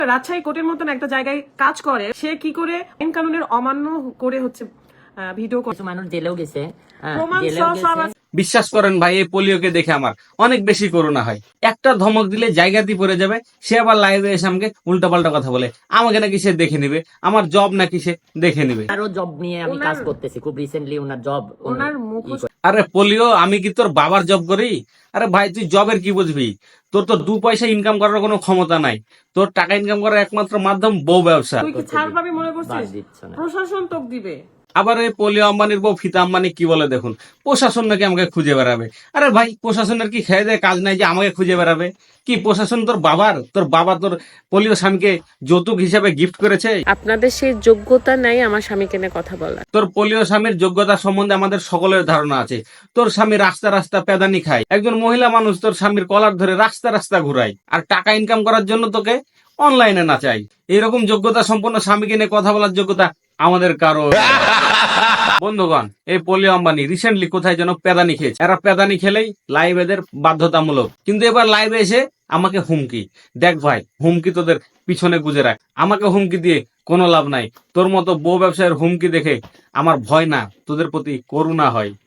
রাজশাহী কোর্টের মতন একটা জায়গায় কাজ করে, সে কি করে আইন কানুনের অমান্য করে হচ্ছে ভিডিও কিছু মানুষ জেলেও গেছে, প্রমাণ জেলেও সহ সব গেছে। বিশ্বাস করেন ভাই, এই পোলিওকে দেখে আমার অনেক বেশি করুণা হয়। একটা ধমক দিলে জায়গাতেই পড়ে যাবে, সে আবার লাইভে এসে আমাকে উল্টাপাল্টা কথা বলে। আমাকে নাকি সে দেখে নিবে, আমার জব নাকি সে দেখে নিবে। আরো জব নিয়ে আমি কাজ করতেছি খুব রিসেন্টলি, ওনার জব, ওনার মুখোশ। আরে পোলিও, আমি কি তোর বাবার জব করি? আরে ভাই, তুই জবের কি বুঝবি? তোর তো 2 পয়সা ইনকাম করার কোনো ক্ষমতা নাই। তোর টাকা ইনকাম করার একমাত্র মাধ্যম বউ ব্যবসা। তুই কি ছাড় পাবি মনে করছিস? বাদ দিচ্ছে না। প্রশাসন তোক দিবে। আবার এই পোলিও আম্বানির বউ ফিতা আম্বানি কি বলে দেখুন, প্রশাসন নাকি আমাকে খুঁজে বেড়াবে। আরে ভাই, প্রশাসনের কি খেয়ে দেয় কাজ নাই যে আমাকে খুঁজে বেড়াবে? কি প্রশাসন তোর বাবার? তোর বাবা তোর পোলিও স্বামীকে যৌতুক হিসাবে গিফট করেছে? আপনাদের সেই যোগ্যতা নাই আমার স্বামীকে নিয়ে কথা বলার। তোর পোলিও স্বামীর যোগ্যতা সম্বন্ধে আমাদের সকলের ধারণা আছে। তোর স্বামী রাস্তা রাস্তা পেদানি খায়, একজন মহিলা মানুষ তোর স্বামীর কলার ধরে রাস্তা রাস্তা ঘুরায়, আর টাকা ইনকাম করার জন্য তোকে অনলাইনে নাচাই। এরকম যোগ্যতা সম্পন্ন স্বামীকে নিয়ে কথা বলার যোগ্যতা আমাদের কারো। বন্ধুগণ, এই পোলিও আম্বানি রিসেন্টলি কোথায় যেন পেদানি খেয়েছে। এরা পেদানি খেলেই লাইভ এদের বাধ্যতামূলক, কিন্তু এবার লাইভে এসে আমাকে হুমকি। দেখ ভাই, হুমকি তোদের পিছনে গুজে রাখ, আমাকে হুমকি দিয়ে কোনো লাভ নাই। তোর মতো বউ ব্যবসায়ের হুমকি দেখে আমার ভয় না, তোদের প্রতি করুণা হয়।